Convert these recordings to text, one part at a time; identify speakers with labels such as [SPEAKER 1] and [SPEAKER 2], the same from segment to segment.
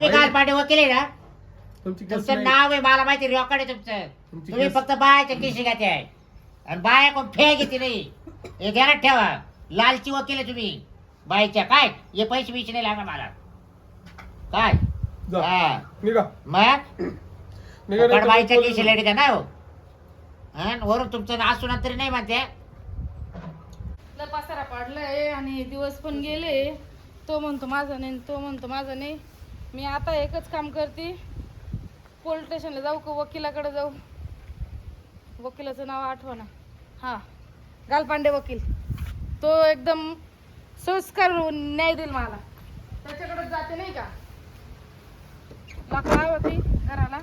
[SPEAKER 1] गालपाटे वकील आहे ना
[SPEAKER 2] तुमची केस
[SPEAKER 1] तुमचं
[SPEAKER 2] नाही.
[SPEAKER 1] नाव आहे मला माहिती रेकॉर्ड आहे तुमचं
[SPEAKER 2] तुमची
[SPEAKER 1] तुम्ही
[SPEAKER 2] केस-
[SPEAKER 1] फक्त बायाच्या केशी घाते आहे आणि बाया कोण फे घेते नाही हे ध्यानात ठेवा लालची वकील आहे तुम्ही बाईच्या काय हे पैसे बिचे नाही लागणार मला काय
[SPEAKER 2] जा.
[SPEAKER 1] हा.
[SPEAKER 2] निघा
[SPEAKER 1] मग
[SPEAKER 2] निघा नाही तर
[SPEAKER 1] बाईच्या
[SPEAKER 2] पोलीस-
[SPEAKER 1] केशी लेडी का नाही हो हा, वरून तुमचं नाव सुना तरी नाही म्हणते
[SPEAKER 3] पसारा पाडलाय आणि दिवस पण गेले. तो म्हणतो माझं नाही, तो म्हणतो माझं नाही. मी आता एकच काम करते, पोलीस स्टेशनला जाऊ का वकिलाकडे जाऊ. वकिलाचं नाव आठवना. हां, गालपांडे वकील. तो एकदम संस्कार न्याय देईल मला. त्याच्याकडे जाते नाही का. लाकडं होती घराला.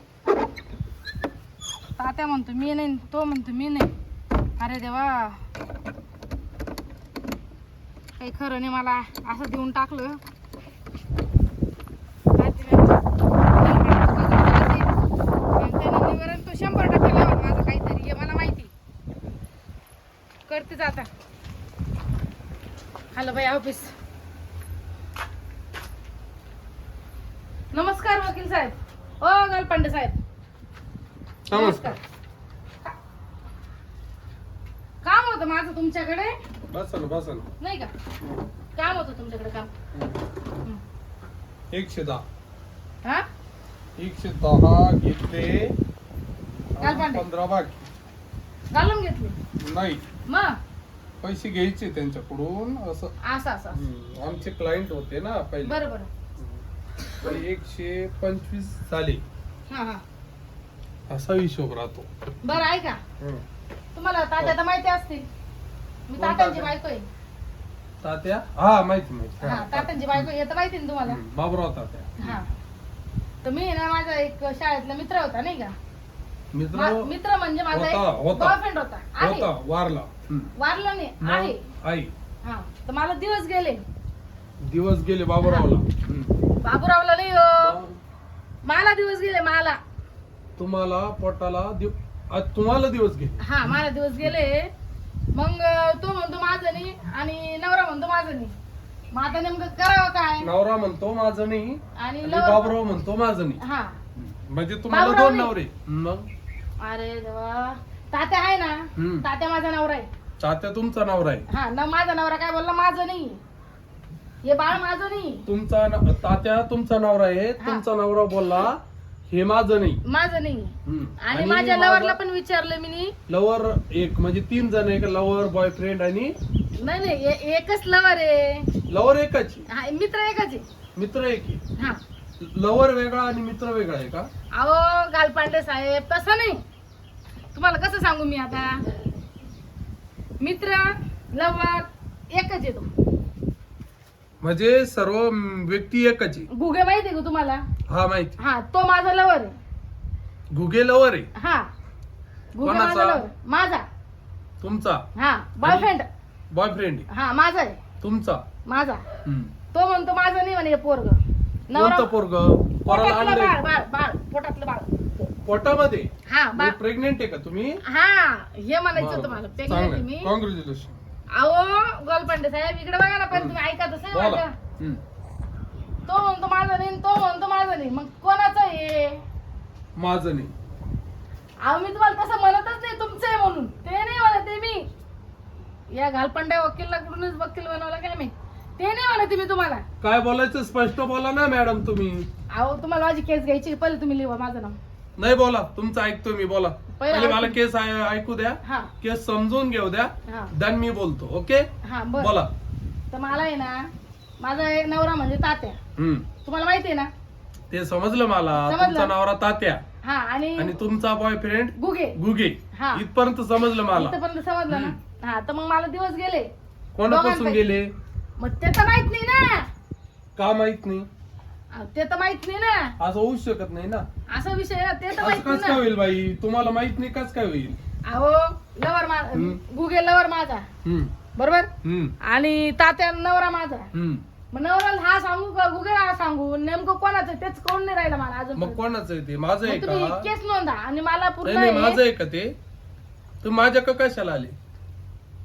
[SPEAKER 3] तात्या म्हणतो मी नाही, तो म्हणतो मी नाही. अरे देवा, काही खरं नाही. मला असं देऊन टाकलं. निवारण तो 100% लावल माझं काहीतरी, हे मला माहिती. करतेच आता. हॅलो बाई ऑफिस. नमस्कार वकील साहेब. ओ गालपांडे साहेब
[SPEAKER 2] नमस्कार.
[SPEAKER 3] काम होतं माझं तुमच्याकडे.
[SPEAKER 2] बसा ना बसा ना.
[SPEAKER 3] नाही का काम होतं तुमच्याकडे काम.
[SPEAKER 2] 110
[SPEAKER 3] हा
[SPEAKER 2] 110 घेतले.
[SPEAKER 3] गालपांडे.
[SPEAKER 2] 15 बाकी
[SPEAKER 3] घालून घेतली
[SPEAKER 2] नाही.
[SPEAKER 3] मग
[SPEAKER 2] पैसे घ्यायचे त्यांच्याकडून असं.
[SPEAKER 3] असं असं
[SPEAKER 2] आमचे क्लायंट होते ना पहिले.
[SPEAKER 3] बरं बरं.
[SPEAKER 2] तर 125 झाले
[SPEAKER 3] हा हा
[SPEAKER 2] असा हिशोब राहतो.
[SPEAKER 3] बरं ऐका, तुम्हाला तात्या तर माहिती असतील. मी
[SPEAKER 2] कोण
[SPEAKER 3] तात्यांची
[SPEAKER 2] तात्या?
[SPEAKER 3] बायको आहे.
[SPEAKER 2] तात्या हा माहिती माहिती.
[SPEAKER 3] हा तात्यांची बायको आहे, हे तर माहिती ना तुम्हाला.
[SPEAKER 2] बाबराव तात्या.
[SPEAKER 3] हा तर मी ना माझा एक शाळेतला मित्र होता नाही का.
[SPEAKER 2] मित्र
[SPEAKER 3] मित्र म्हणजे माझा
[SPEAKER 2] होता,
[SPEAKER 3] एक
[SPEAKER 2] होता.
[SPEAKER 3] बॉयफ्रेंड होता. आहे
[SPEAKER 2] होता वारला.
[SPEAKER 3] वारला नाही
[SPEAKER 2] मग
[SPEAKER 3] आहे.
[SPEAKER 2] आई
[SPEAKER 3] हा तर मला दिवस गेले.
[SPEAKER 2] दिवस गेले बाबूरावला.
[SPEAKER 3] बाबूरावला नाही हो, मला दिवस गेले. मला
[SPEAKER 2] तुम्हाला पोटाला आज तुम्हाला दिवस गेले.
[SPEAKER 3] हा मला दिवस गेले. मग तो म्हणतो माझं नाही आणि नवरा म्हणतो माझं नाही. मग आता नेमकं करावं काय.
[SPEAKER 2] नवरा म्हणतो माझं नाही
[SPEAKER 3] आणि
[SPEAKER 2] आणि
[SPEAKER 3] लव-
[SPEAKER 2] बाबूराव म्हणतो माझं नाही.
[SPEAKER 3] हा
[SPEAKER 2] म्हणजे तुम्हाला
[SPEAKER 3] बाबूराव
[SPEAKER 2] दोन
[SPEAKER 3] नाही.
[SPEAKER 2] नवरे. मग
[SPEAKER 3] अरे देवा, तात्या आहे ना. तात्या माझा नवरा आहे.
[SPEAKER 2] तात्या तुमचा नवरा आहे.
[SPEAKER 3] हा ना माझा नवरा काय बोलला, माझं नाही हे बाळ माझं नाही.
[SPEAKER 2] तुमचा तात्या तुमचा नवरा आहे.
[SPEAKER 3] हा.
[SPEAKER 2] तुमचा नवरा बोलला हे माझं नाही.
[SPEAKER 3] माझं नाही. आणि
[SPEAKER 2] आणि
[SPEAKER 3] माझ्या
[SPEAKER 2] माझा-
[SPEAKER 3] लवरला पण विचारलं मी.
[SPEAKER 2] लवर एक म्हणजे 3 जण आहे का. लवर बॉयफ्रेंड आणि
[SPEAKER 3] नाही नाही एकच लवर आहे.
[SPEAKER 2] लवर एकाची.
[SPEAKER 3] हा मित्र एकच आहे.
[SPEAKER 2] मित्र एक आहे.
[SPEAKER 3] हा
[SPEAKER 2] लवर वेगळा आणि मित्र वेगळा आहे का.
[SPEAKER 3] अहो गालपांडे साहेब तसं नाही. तुम्हाला कसं सांगू मी आता. मित्र लवर एकच येतो.
[SPEAKER 2] म्हणजे सर्व व्यक्ती एकच आहे.
[SPEAKER 3] गुगे माहिती आहे का तुम्हाला.
[SPEAKER 2] हा माहिती.
[SPEAKER 3] हा तो माझा लवर आहे.
[SPEAKER 2] घुगे लवर आहे.
[SPEAKER 3] हा गुगे
[SPEAKER 2] कोणाचा?
[SPEAKER 3] माझा लवर माझा.
[SPEAKER 2] तुमचा
[SPEAKER 3] हा बॉयफ्रेंड.
[SPEAKER 2] बॉयफ्रेंड
[SPEAKER 3] हा माझा आहे.
[SPEAKER 2] तुमचा.
[SPEAKER 3] माझा.
[SPEAKER 2] हम्म.
[SPEAKER 3] तो म्हणतो माझं नाही म्हणे पोरग.
[SPEAKER 2] कोणतं पोरग. पोराला
[SPEAKER 3] पोटातलं
[SPEAKER 2] आणलंय.
[SPEAKER 3] बाळ बाळ बाळ पोटातलं बाळ.
[SPEAKER 2] पोटामध्ये
[SPEAKER 3] हा बाळ.
[SPEAKER 2] प्रेग्नेंट आहे का तुम्ही.
[SPEAKER 3] हा हे म्हणायचं होतं मला. प्रेग्नेंट आहे मी.
[SPEAKER 2] कॉंग्रॅच्युलेशन.
[SPEAKER 3] अहो गोलपांडे साहेब इकडे बघा ना. पण तुम्ही ऐका तसं
[SPEAKER 2] बोला.
[SPEAKER 3] माझं.
[SPEAKER 2] हम्म.
[SPEAKER 3] तो म्हणतो माझं नाही आणि तो म्हणतो माझं नाही. मग कोणाचं आहे.
[SPEAKER 2] माझं नाही.
[SPEAKER 3] अहो मी तुम्हाला तसं म्हणतच नाही तुमचं आहे म्हणून. ते नाही म्हणते मी. या घालपांड्या वकीलाकडूनच वकील बनवला काय मी. ते नाही म्हणते मी तुम्हाला.
[SPEAKER 2] काय बोलायचं स्पष्ट बोला ना मॅडम तुम्ही.
[SPEAKER 3] अहो तुम्हाला माझी केस घ्यायची. पहिले तुम्ही लिहा माझं नाव.
[SPEAKER 2] नाही बोला तुमचं ऐकतो मी. बोला
[SPEAKER 3] पहिले
[SPEAKER 2] पहिले मला
[SPEAKER 3] ऐकू.
[SPEAKER 2] केस ऐकू द्या.
[SPEAKER 3] हा
[SPEAKER 2] केस समजून घेऊ द्या.
[SPEAKER 3] हा
[SPEAKER 2] देन मी बोलतो. ओके
[SPEAKER 3] हा बरं.
[SPEAKER 2] बोला.
[SPEAKER 3] तर मला आहे ना माझा एक नवरा म्हणजे तात्या.
[SPEAKER 2] हम्म.
[SPEAKER 3] तुम्हाला माहिती आहे ना.
[SPEAKER 2] ते समजलं मला.
[SPEAKER 3] समजलं.
[SPEAKER 2] तुमचा नवरा तात्या
[SPEAKER 3] हा आणि
[SPEAKER 2] आणि तुमचा बॉयफ्रेंड
[SPEAKER 3] गुगे.
[SPEAKER 2] गुगे.
[SPEAKER 3] हा.
[SPEAKER 2] इथपर्यंत समजलं मला.
[SPEAKER 3] इथपर्यंत समजलं ना. हा तर मग मला दिवस गेले.
[SPEAKER 2] कोणापासून
[SPEAKER 3] दोघांपैकी.
[SPEAKER 2] गेले.
[SPEAKER 3] मग ते तर माहित नाही ना.
[SPEAKER 2] का माहित नाही.
[SPEAKER 3] अहो, ते तर माहित नाही ना.
[SPEAKER 2] असं होऊ शकत नाही ना.
[SPEAKER 3] असा विषय आहे ना. ते तर
[SPEAKER 2] असं
[SPEAKER 3] माहित
[SPEAKER 2] कस
[SPEAKER 3] नाही
[SPEAKER 2] काय
[SPEAKER 3] ना.
[SPEAKER 2] होईल बाई. तुम्हाला माहित नाही कस काय होईल.
[SPEAKER 3] अहो लवर
[SPEAKER 2] हम्म.
[SPEAKER 3] गुगे लवर माझा.
[SPEAKER 2] हम्म.
[SPEAKER 3] बरोबर.
[SPEAKER 2] हम्म.
[SPEAKER 3] आणि तात्या नवरा माझा.
[SPEAKER 2] हम्म.
[SPEAKER 3] मग नवऱ्याला हा सांगू का गुगेला हा सांगू. नेमकं कोणाचं आहे तेच कळून नाही राहिलं मला अजून.
[SPEAKER 2] मग कोणाचं आहे ते. माझं आहे
[SPEAKER 3] मग तुम्ही
[SPEAKER 2] का.
[SPEAKER 3] केस नोंदा आणि मला पूर्ण
[SPEAKER 2] नाही नाही माझं
[SPEAKER 3] हे-
[SPEAKER 2] आहे का ते. तुम्ही माझ्या का कशाला आले.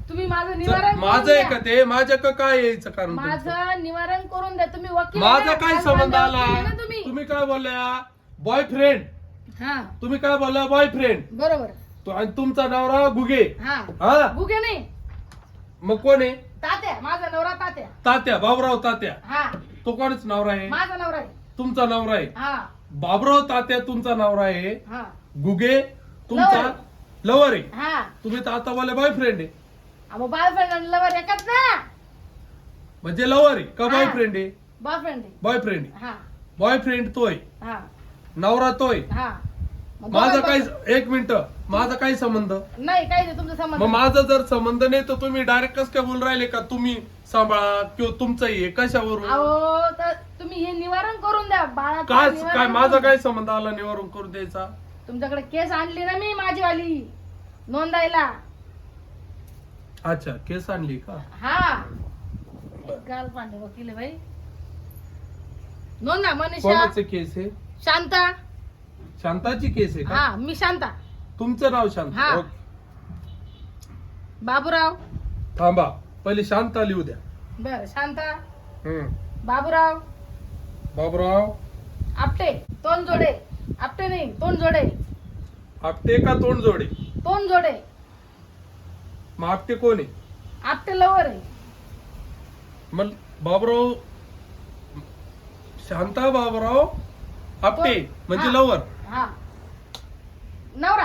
[SPEAKER 3] तुम्ही माझं निवारण करून
[SPEAKER 2] माझं आहे
[SPEAKER 3] द्या.
[SPEAKER 2] का ते माझ्या का काय यायचं कारण तुमचं?
[SPEAKER 3] माझं निवारण करून द्या. तुम्ही वकील
[SPEAKER 2] माझा
[SPEAKER 3] आहे ना?
[SPEAKER 2] काय
[SPEAKER 3] काल
[SPEAKER 2] संबंध
[SPEAKER 3] भांडण
[SPEAKER 2] आला
[SPEAKER 3] केलं ना तुम्ही.
[SPEAKER 2] तुम्ही काय बोलल्या बॉयफ्रेंड
[SPEAKER 3] हा
[SPEAKER 2] तुम्ही काय बोलला बॉयफ्रेंड
[SPEAKER 3] बरोबर.
[SPEAKER 2] आणि तुमचा नवरा गुगे
[SPEAKER 3] हा
[SPEAKER 2] हा
[SPEAKER 3] गुगे नाही,
[SPEAKER 2] मग कोण आहे
[SPEAKER 3] तात्या. माझा नवरा तात्या.
[SPEAKER 2] तात्या बाबराव तात्या
[SPEAKER 3] हा
[SPEAKER 2] तो कोणच नवरा आहे
[SPEAKER 3] माझा नवरा आहे.
[SPEAKER 2] तुमचा नवरा आहे
[SPEAKER 3] हा
[SPEAKER 2] बाबराव तात्या तुमचा नवरा आहे
[SPEAKER 3] हा
[SPEAKER 2] गुगे तुमचा
[SPEAKER 3] लवर.
[SPEAKER 2] लवर आहे
[SPEAKER 3] हा
[SPEAKER 2] तुम्ही तर आता बोले बॉयफ्रेंड आहे
[SPEAKER 3] मग बॉयफ्रेंड आणि लवर एकच ना.
[SPEAKER 2] म्हणजे लवर आहे का
[SPEAKER 3] हा.
[SPEAKER 2] बॉयफ्रेंड आहे
[SPEAKER 3] बॉयफ्रेंड आहे.
[SPEAKER 2] बॉयफ्रेंड
[SPEAKER 3] हा
[SPEAKER 2] बॉयफ्रेंड तोय
[SPEAKER 3] हा
[SPEAKER 2] नवरा तोय
[SPEAKER 3] हा मग
[SPEAKER 2] माझा
[SPEAKER 3] दोघं
[SPEAKER 2] काही
[SPEAKER 3] बॉय-
[SPEAKER 2] एक मिनिट माझा काही संबंध
[SPEAKER 3] नाही काही नाही तुमचा संबंध.
[SPEAKER 2] मग माझा जर संबंध नाही तर तुम्ही डायरेक्ट कस काय बोलून राहिले का तुम्ही सांभाळा किंवा तुमचंही आहे कशावरून
[SPEAKER 3] अहो तर तुम्ही हे निवारण करून द्या बाळा.
[SPEAKER 2] काय काय माझा काय संबंध आला निवारण करून द्यायचा
[SPEAKER 3] तुमच्याकडे केस आणली ना मी माझीवाली नोंदायला.
[SPEAKER 2] अच्छा केस आणली का
[SPEAKER 3] हा गाल पांडे वकील आहे बाई. नोंदा मनीषा
[SPEAKER 2] कोणाचे केस आहे
[SPEAKER 3] शांता.
[SPEAKER 2] शांताची केस आहे का
[SPEAKER 3] हा मी शांता.
[SPEAKER 2] तुमचं नाव
[SPEAKER 3] हा.
[SPEAKER 2] शांता ओके.
[SPEAKER 3] बाबूराव.
[SPEAKER 2] थांबा पहिले शांता लिहू द्या
[SPEAKER 3] बर शांता
[SPEAKER 2] हम्म.
[SPEAKER 3] बाबूराव
[SPEAKER 2] बाबराव
[SPEAKER 3] आपटे तोंड जोडे. आपटे नाही तोंड जोडे.
[SPEAKER 2] आपटे का तोंड जोडे
[SPEAKER 3] तोंड जोडे.
[SPEAKER 2] मग आपटे कोण आहे
[SPEAKER 3] आपटे लवर आहे.
[SPEAKER 2] मग बाबराव शांता बाबराव आपटे म्हणजे
[SPEAKER 3] हा.
[SPEAKER 2] लवर
[SPEAKER 3] हा नवरा.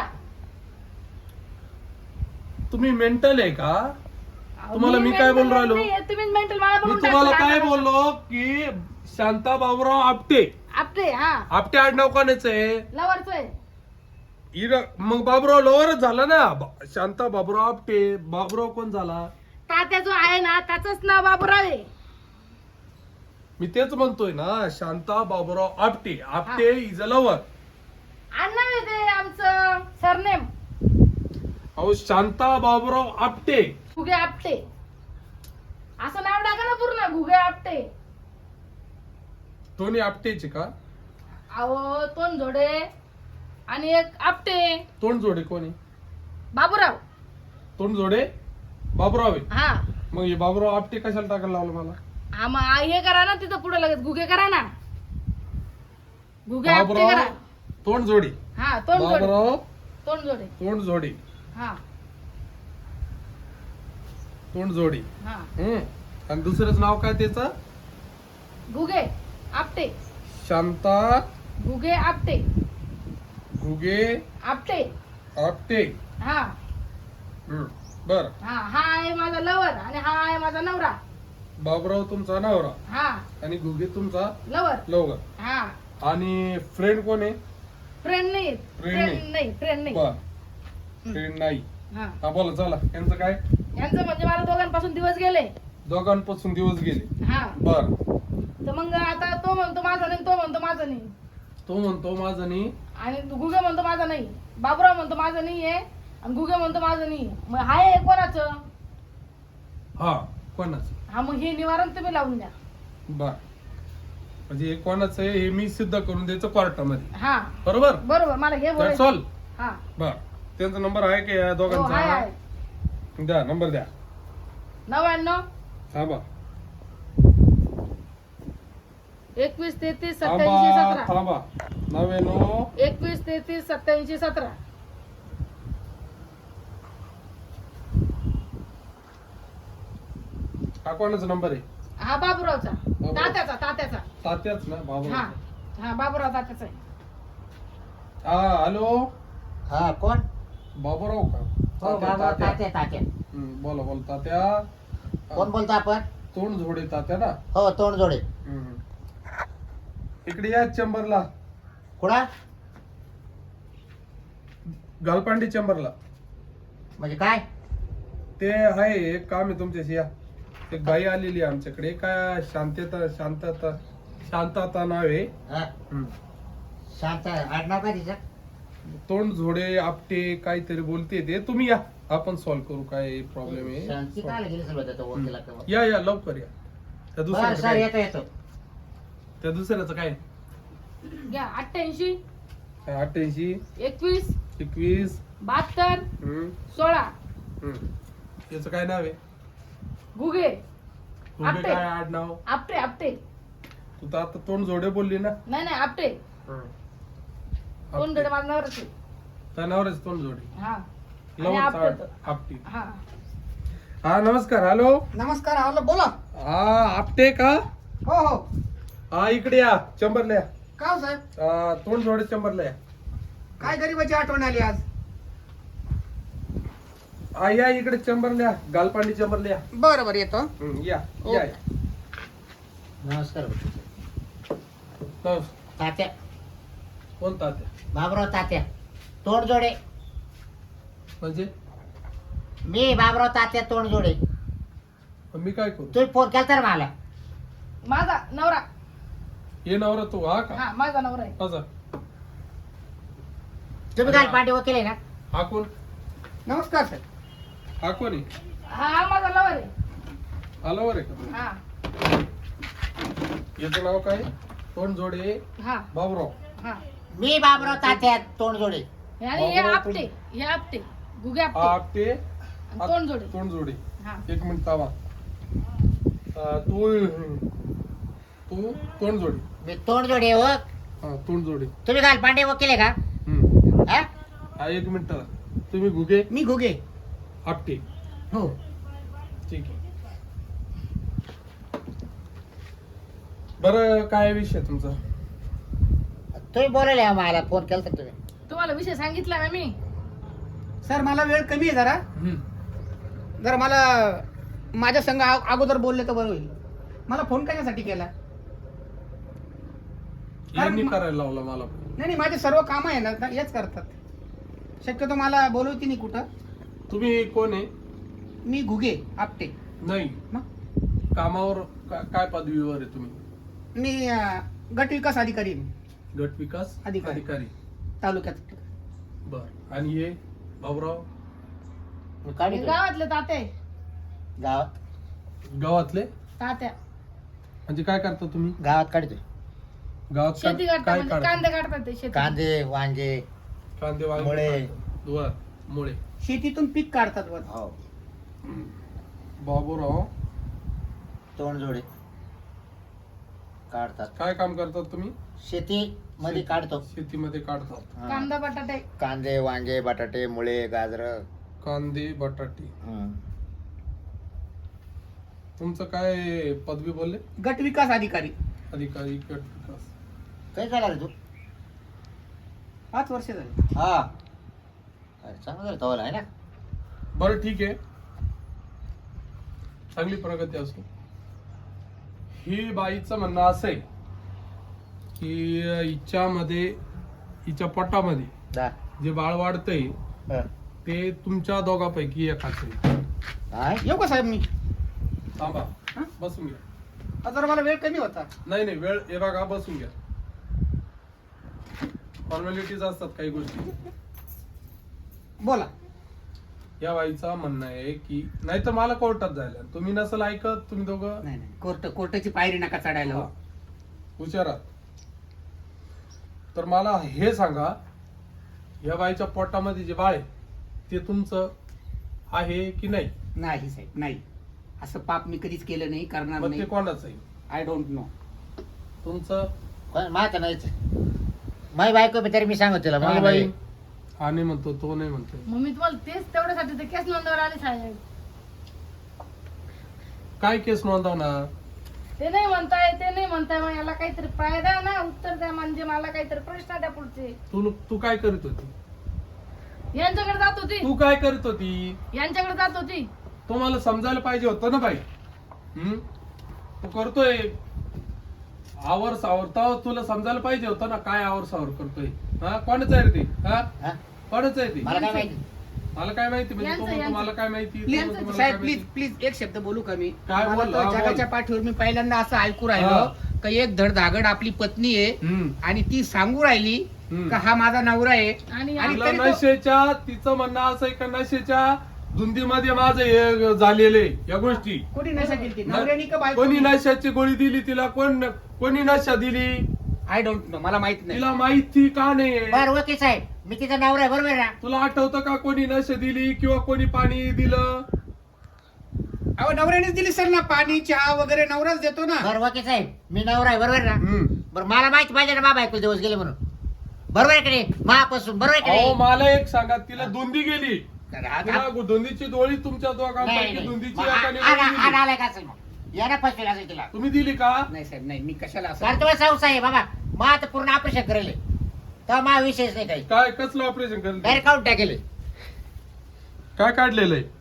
[SPEAKER 2] तुम्ही मेंटल आहे का
[SPEAKER 3] अहो,
[SPEAKER 2] तुम्हाला मी काय
[SPEAKER 3] mental
[SPEAKER 2] बोलून राहिलो?
[SPEAKER 3] नाहीये, तुम्ही मेंटल मला
[SPEAKER 2] मी
[SPEAKER 3] बोलून
[SPEAKER 2] तुम्हाला
[SPEAKER 3] टाकलं.
[SPEAKER 2] काय बोललो की शांता बाबराव आपटे
[SPEAKER 3] आपटे हा
[SPEAKER 2] आपटे आडनाव कोणाचं आहे
[SPEAKER 3] लवरच आहे.
[SPEAKER 2] मग बाबराव लवरच झाला ना शांता बाबराव आपटे बाबराव कोण झाला
[SPEAKER 3] तात्या जो आहे ना त्याच नाव बाबूराव आहे.
[SPEAKER 2] मी तेच म्हणतोय ना Shanta Baburao Apte Apte is a lover
[SPEAKER 3] आडनाव आहे ते आमचं सरनेम.
[SPEAKER 2] अहो शांता बाबराव आपटे
[SPEAKER 3] घुगे आपटे असं नाव टाका ना पूर्ण घुगे आपटे.
[SPEAKER 2] दोन्ही आपटेचे का
[SPEAKER 3] अहो तोंड जोडे आणि एक आपटे.
[SPEAKER 2] तोंड जोडे कोणी
[SPEAKER 3] बाबूराव.
[SPEAKER 2] तोंड जोडे बाबराव आहे
[SPEAKER 3] हा
[SPEAKER 2] मग हे बाबराव आपटे कशाला टाकायला लावलं मला
[SPEAKER 3] हा मग हे करा ना तिथं पुढे लगेच घुगे करा ना. घुगे आपटे करा.
[SPEAKER 2] बाबराव तोंड जोडे
[SPEAKER 3] हा तोंड जोडे.
[SPEAKER 2] बाबराव
[SPEAKER 3] तोंड जोडे.
[SPEAKER 2] तोंड जोडे
[SPEAKER 3] हा
[SPEAKER 2] तोंड जोडे
[SPEAKER 3] हा
[SPEAKER 2] आणि दुसरंच नाव काय त्याचं
[SPEAKER 3] घुगे आपटे.
[SPEAKER 2] शांता
[SPEAKER 3] घुगे आपटे.
[SPEAKER 2] घुगे
[SPEAKER 3] आपटे.
[SPEAKER 2] आपटे
[SPEAKER 3] हा
[SPEAKER 2] बर
[SPEAKER 3] हा हा आहे माझा लवर आणि हा आहे माझा नवरा.
[SPEAKER 2] बाबराव तुमचा नवरा
[SPEAKER 3] हा
[SPEAKER 2] आणि घुगे तुमचा
[SPEAKER 3] लवर.
[SPEAKER 2] लवकर
[SPEAKER 3] हा
[SPEAKER 2] आणि फ्रेंड कोण आहे
[SPEAKER 3] फ्रेंड नाही.
[SPEAKER 2] Friend
[SPEAKER 3] फ्रेंड नाही. फ्रेंड नाही.
[SPEAKER 2] बर फ्रेंड नाही
[SPEAKER 3] हा
[SPEAKER 2] हा बोला चला यांचं काय
[SPEAKER 3] यांचं म्हणजे मला दोघांपासून दिवस गेले.
[SPEAKER 2] दोघांपासून दिवस गेले
[SPEAKER 3] हा
[SPEAKER 2] बर
[SPEAKER 3] तर मग आता तो म्हणतो माझा नाही तो म्हणतो माझा नाही
[SPEAKER 2] तो म्हणतो माझं नाही
[SPEAKER 3] आणि गुगे म्हणतो माझा नाही. बाबूराव म्हणतो माझं नाही आहे आणि गुगे म्हणतो माझं नाही. मग हाय हे कोणाचं.
[SPEAKER 2] हा कोणाच
[SPEAKER 3] हा मग हे निवारण तुम्ही लावून द्या.
[SPEAKER 2] बर म्हणजे हे कोणाचं आहे हे मी सिद्ध करून द्यायचं कोर्टामध्ये
[SPEAKER 3] हा
[SPEAKER 2] बरोबर
[SPEAKER 3] बरोबर मला हे
[SPEAKER 2] That's
[SPEAKER 3] बोलायचं.
[SPEAKER 2] all.
[SPEAKER 3] हा
[SPEAKER 2] बर त्यांचा नंबर आहे का या
[SPEAKER 3] हो, हाय
[SPEAKER 2] दोघांचा
[SPEAKER 3] हाय
[SPEAKER 2] द्या नंबर द्या
[SPEAKER 3] 99
[SPEAKER 2] थांबा
[SPEAKER 3] 21 33
[SPEAKER 2] थांबा
[SPEAKER 3] 87 17
[SPEAKER 2] थांबा 99
[SPEAKER 3] 21 33 87 17.
[SPEAKER 2] हा कोणाचा नंबर आहे
[SPEAKER 3] हा बाबूरावचा
[SPEAKER 2] बाबूराव.
[SPEAKER 3] तात्याचा
[SPEAKER 2] तात्याच ना बाबा
[SPEAKER 3] हा हा बाबूराव तात्याचा आहे.
[SPEAKER 2] हा हॅलो
[SPEAKER 1] हा कोण
[SPEAKER 2] बाबूराव का
[SPEAKER 1] हो
[SPEAKER 2] तात्या,
[SPEAKER 1] बाबा
[SPEAKER 2] तात्या.
[SPEAKER 1] तात्या तात्या.
[SPEAKER 2] बोला बोला तात्या
[SPEAKER 1] कोण बोलतो आपण
[SPEAKER 2] तोंड झोडे तात्या ना
[SPEAKER 1] हो तोंड जोडे.
[SPEAKER 2] इकडे या चेंबरला
[SPEAKER 1] कुणा
[SPEAKER 2] गालपांडी चेंबरला
[SPEAKER 1] म्हणजे काय
[SPEAKER 2] ते आहे एक काम आहे तुमच्याशी या एक बाई आलेली आहे आमच्याकडे काय शांतता नाव आहे
[SPEAKER 1] हा शांत आडनाव काय तिचं
[SPEAKER 2] तोंड झोडे आपटे काहीतरी बोलते ते तुम्ही या आपण सॉल्व्ह करू काय प्रॉब्लेम
[SPEAKER 1] शांती
[SPEAKER 2] आहे
[SPEAKER 1] काय गेली सर त्याचा वकिला
[SPEAKER 2] या लवकर या त्या दुसऱ्याचं
[SPEAKER 1] सर
[SPEAKER 2] काय
[SPEAKER 1] येतो येतो.
[SPEAKER 2] त्या दुसऱ्याचं काय
[SPEAKER 3] घ्या 88
[SPEAKER 2] 88
[SPEAKER 3] 21
[SPEAKER 2] 21
[SPEAKER 3] 72
[SPEAKER 2] हम्म,
[SPEAKER 3] 16.
[SPEAKER 2] हम्म. याचं काय नाव आहे?
[SPEAKER 3] घुगे
[SPEAKER 2] तुझे
[SPEAKER 3] आपटे.
[SPEAKER 2] काय आडनाव?
[SPEAKER 3] आपटे आपटे.
[SPEAKER 2] तू तर आता तोंड जोडे बोलली ना.
[SPEAKER 3] नाही नाही आपटे. कोण गडे माझं नवराच आहे.
[SPEAKER 2] त्यानावरच तोंड जोडे.
[SPEAKER 3] हा आणि
[SPEAKER 2] लवकर
[SPEAKER 3] आपटे तो.
[SPEAKER 2] आपटी.
[SPEAKER 3] हा
[SPEAKER 2] हा नमस्कार. हॅलो.
[SPEAKER 4] नमस्कार हॅलो बोला.
[SPEAKER 2] हा आपटे का?
[SPEAKER 4] हो हो.
[SPEAKER 2] हा इकडे या चंबरला या.
[SPEAKER 4] का हो साहेब?
[SPEAKER 2] तोंड जोडे चंबरला या.
[SPEAKER 4] काय गरीबाची आठवण आली आज?
[SPEAKER 2] हा या इकडे चंबरला या. गालपांडी चंबरला या.
[SPEAKER 4] बरं बरं येतो.
[SPEAKER 2] या
[SPEAKER 4] ओके.
[SPEAKER 2] या.
[SPEAKER 1] नमस्कार
[SPEAKER 2] नमस्कार.
[SPEAKER 1] तात्या
[SPEAKER 2] कोण तात्या?
[SPEAKER 1] बाबराव तात्या तोंड जोडे.
[SPEAKER 2] म्हणजे
[SPEAKER 1] मी बाबराव तात्या तोंड जोडे.
[SPEAKER 2] मी काय करू?
[SPEAKER 1] तुम्ही फोन केला तर मला.
[SPEAKER 3] माझा नवरा.
[SPEAKER 2] ये नवरा तू हा का?
[SPEAKER 3] हा माझा नवरा आहे.
[SPEAKER 2] माझा
[SPEAKER 1] तुम्ही काल पांडे वकील आहे ना?
[SPEAKER 2] हा कोण?
[SPEAKER 4] नमस्कार सर.
[SPEAKER 2] हा कोण आहे?
[SPEAKER 3] हा माझा नवर आहे.
[SPEAKER 2] आलोवर आहे का?
[SPEAKER 3] हा
[SPEAKER 2] याचं नाव काय? तोंड जोडे
[SPEAKER 3] हा
[SPEAKER 2] बाबराव.
[SPEAKER 3] हा
[SPEAKER 1] मी बाबराव तात्या तोंड जोडे.
[SPEAKER 3] आणि हे आपटे हे आपटे घुगे
[SPEAKER 2] हा
[SPEAKER 3] आपटे
[SPEAKER 2] आपटे.
[SPEAKER 3] आणि तोंड जोडे.
[SPEAKER 2] तोंड जोडे.
[SPEAKER 3] हा
[SPEAKER 2] एक मिनिट थांबा. तू तू तोंड जोडे.
[SPEAKER 1] मी तोंड जोडे हो.
[SPEAKER 2] हा तोंड जोडे.
[SPEAKER 1] तुम्ही काल पांडे वकील आहे का?
[SPEAKER 2] हम्म.
[SPEAKER 1] हा?
[SPEAKER 2] हा एक मिनिट. तुम्ही घुगे
[SPEAKER 4] मी घुगे.
[SPEAKER 2] आपटे.
[SPEAKER 4] हो.
[SPEAKER 2] ठीक आहे. बरं काय विषय तुमचा?
[SPEAKER 1] तुम्ही बोलायला मला फोन केला तर तुम्ही.
[SPEAKER 3] तुम्हाला विषय सांगितला ना मी.
[SPEAKER 4] सर मला वेळ कमी आहे जरा. जरा मला माझ्या संग अगोदर बोलले तर बरं होईल. मला फोन कशासाठी केला?
[SPEAKER 2] यांनी
[SPEAKER 4] कारण-
[SPEAKER 2] करायला लावला मला.
[SPEAKER 4] नाही नाही माझे सर्व कामं आहे ना हेच करतात. शक्यतो मला बोलवती नाही कुठं.
[SPEAKER 2] तुम्ही कोण आहे?
[SPEAKER 4] मी घुगे आपटे.
[SPEAKER 2] नाही
[SPEAKER 4] मग
[SPEAKER 2] कामावर काय पदवीवर आहे तुम्ही?
[SPEAKER 4] मी गट विकास अधिकारी आहे.
[SPEAKER 2] गट विकास
[SPEAKER 4] अधिकारी.
[SPEAKER 2] अधिकारी.
[SPEAKER 4] तालुक्यात.
[SPEAKER 2] बर. आणि हे बाबराव
[SPEAKER 1] मी काढितोय.
[SPEAKER 3] गावातले ताते
[SPEAKER 1] गावात
[SPEAKER 2] गावातले.
[SPEAKER 3] तात्या
[SPEAKER 2] म्हणजे काय करता तुम्ही
[SPEAKER 1] गावात काढतोय.
[SPEAKER 2] गावात?
[SPEAKER 3] शेती काढतात
[SPEAKER 2] काय
[SPEAKER 3] म्हणजे
[SPEAKER 2] काढता?
[SPEAKER 3] कांदे काढतात ते शेती.
[SPEAKER 1] कांदे वांगे
[SPEAKER 2] कांदे वांगे
[SPEAKER 1] मुळे.
[SPEAKER 2] काढता. बर. मुळे.
[SPEAKER 4] शेतीतून पीक काढतात वर.
[SPEAKER 1] हो
[SPEAKER 2] बाबूराव
[SPEAKER 1] तोंड जोडे काढतात.
[SPEAKER 2] काय काम करतात तुम्ही?
[SPEAKER 1] शेती मध्ये काढतो.
[SPEAKER 2] शेतीमध्ये काढतात.
[SPEAKER 1] हा.
[SPEAKER 3] कांदा बटाटे.
[SPEAKER 1] कांदे वांगे बटाटे मुळे गाजर.
[SPEAKER 2] कांदे बटाटे. तुमचं काय पदवी बोलले?
[SPEAKER 4] गट विकास अधिकारी.
[SPEAKER 2] अधिकारी गट विकास.
[SPEAKER 1] काय झाला रे तू?
[SPEAKER 4] 5 वर्ष झाली.
[SPEAKER 1] हा अरे चांगलं झालं तवाला आहे ना.
[SPEAKER 2] बरं ठीक आहे. चांगली प्रगती असो. ही बाईचं म्हणणं असं आहे की हिच्या पोटामध्ये
[SPEAKER 1] जा.
[SPEAKER 2] जे बाळ वाढतंय
[SPEAKER 1] हा.
[SPEAKER 2] ते तुमच्या दोघांपैकी एकाच आहे.
[SPEAKER 1] काय?
[SPEAKER 4] येऊ का साहेब मी?
[SPEAKER 2] थांबा.
[SPEAKER 4] हा?
[SPEAKER 2] बसून घ्या.
[SPEAKER 4] जरा मला वेळ कमी होता.
[SPEAKER 2] नाही नाही वेळ हे बघा बसून घ्या. फॉर्मॅलिटीज असतात काही गोष्टी.
[SPEAKER 4] बोला.
[SPEAKER 2] या बाईचा म्हणणं आहे की नाही तर मला कोर्टात जायला तुम्ही नसल ऐकत. तुम्ही दोघं
[SPEAKER 4] नाही नाही कोर्टाची पायरी नका चढायला. हो.
[SPEAKER 2] हुशारात. तर मला हे सांगा या बाईच्या पोटामध्ये जे बाळ आहे ते तुमचं आहे की नाही?
[SPEAKER 4] नाही साहेब नाही. असं पाप मी कधीच केलं नाही करणार
[SPEAKER 2] मग ते
[SPEAKER 4] नाही.
[SPEAKER 2] कोणाचं आहे?
[SPEAKER 4] I don't know.
[SPEAKER 2] तुमचं
[SPEAKER 1] कोण? माझं नाहीच. माझी बायको बी तरी मी सांगतो तिला
[SPEAKER 2] काय
[SPEAKER 1] मला
[SPEAKER 2] बाई?
[SPEAKER 1] नाही.
[SPEAKER 2] हा नाही म्हणतो तो नाही म्हणतो.
[SPEAKER 3] मग मी तुम्हाला तेच तेवढ्यासाठी ते केस नोंदवायला आले साहेब.
[SPEAKER 2] काय केस नोंदवणार?
[SPEAKER 3] ते नाही म्हणताय ते नाही म्हणताय. मग याला काहीतरी फायदा ना उत्तर द्या. म्हणजे मला काहीतरी प्रश्न द्या पुढचे.
[SPEAKER 2] तू काय करीत होती?
[SPEAKER 3] यांच्याकडे जात होती.
[SPEAKER 2] तू काय करीत होती?
[SPEAKER 3] यांच्याकडे जात होती.
[SPEAKER 2] तो मला समजायला पाहिजे होतं ना बाई. तू करतोय आवर सावरता तुला समजायला पाहिजे होतं ना काय आवर सावर करतोय. हा कोणाचं आहे रे ते? हा
[SPEAKER 1] हा?
[SPEAKER 2] कोणाचं आहे ते?
[SPEAKER 1] मला काय माहिती.
[SPEAKER 2] मला काय माहिती म्हणजे
[SPEAKER 3] यांचं-
[SPEAKER 2] तो म्हणतो
[SPEAKER 3] यांचं.
[SPEAKER 2] मला काय माहिती. तो
[SPEAKER 4] प्लीज
[SPEAKER 2] म्हणतो मला
[SPEAKER 4] साहेब
[SPEAKER 2] काय
[SPEAKER 4] प्लीज
[SPEAKER 2] माहिती.
[SPEAKER 4] प्लीज एक शब्द बोलू का मी?
[SPEAKER 2] काय
[SPEAKER 4] मला
[SPEAKER 2] बोल?
[SPEAKER 4] तर
[SPEAKER 2] हा, बोल.
[SPEAKER 4] जगाच्या पाठीवर मी पहिल्यांदा असं ऐकू
[SPEAKER 2] हा.
[SPEAKER 4] राहिलो का एक धडधागड आपली पत्नी आहे
[SPEAKER 2] हम्म.
[SPEAKER 4] आणि ती सांगू राहिली
[SPEAKER 2] हम्म.
[SPEAKER 4] का हा माझा नवरा आहे.
[SPEAKER 3] आणि
[SPEAKER 4] आणि
[SPEAKER 2] तिला
[SPEAKER 4] तरी तो-
[SPEAKER 2] नशेच्या तिचं म्हणणं असं आहे का नशेच्या धुंदीमध्ये माझं हे झालेले या गोष्टी.
[SPEAKER 4] कोणी नशा केली ती? नवऱ्यानी का
[SPEAKER 2] कोणी
[SPEAKER 4] बायकोनी?
[SPEAKER 2] नशाची गोळी दिली तिला? कोणी नशा दिली?
[SPEAKER 4] I don't know. मला माहित नाही.
[SPEAKER 2] तिला माहिती का नाही?
[SPEAKER 1] बर वकील साहेब मी तिचा नवरा आहे बरोबर आहे ना?
[SPEAKER 2] तुला आठवतं का कोणी नशा दिली किंवा कोणी पाणी दिलं?
[SPEAKER 4] अहो नवऱ्यानेच दिली सर ना, पाणी चहा वगैरे नवराच देतो ना.
[SPEAKER 1] बरं वकील साहेब, मी नवरा आहे बरोबर ना?
[SPEAKER 2] हम्म.
[SPEAKER 1] बरं मला माहिती पाहिजे ना मा बायको दिवस गेले म्हणून. बरोबर आहे की नाही? महापासून बरोबर आहे की
[SPEAKER 2] अहो
[SPEAKER 1] नाही?
[SPEAKER 2] मला एक सांगा, तिला धुंदी गेली,
[SPEAKER 1] तर आता-
[SPEAKER 2] तिला धुंदीची डोळी तुमच्या
[SPEAKER 1] नाही,
[SPEAKER 2] दोघांपैकी
[SPEAKER 1] नाही.
[SPEAKER 2] धुंदीची
[SPEAKER 1] मग
[SPEAKER 2] एकाने
[SPEAKER 1] आ-
[SPEAKER 2] दिली.
[SPEAKER 1] आ- आलाय का असेल मग? यानं फसवेल असेल तिला.
[SPEAKER 2] तुम्ही दिली का?
[SPEAKER 4] नाही साहेब नाही, मी कशाला असं.
[SPEAKER 1] कारण तुम्हाला संशय आहे बाबा, मग आता पूर्ण ऑपरेशन करेल तेव्हा मा विषयच नाही काही.
[SPEAKER 2] काय कसलं ऑपरेशन केलं?
[SPEAKER 1] डायरेक्ट काढून टाकेल.
[SPEAKER 2] काय काढलेलं आहे?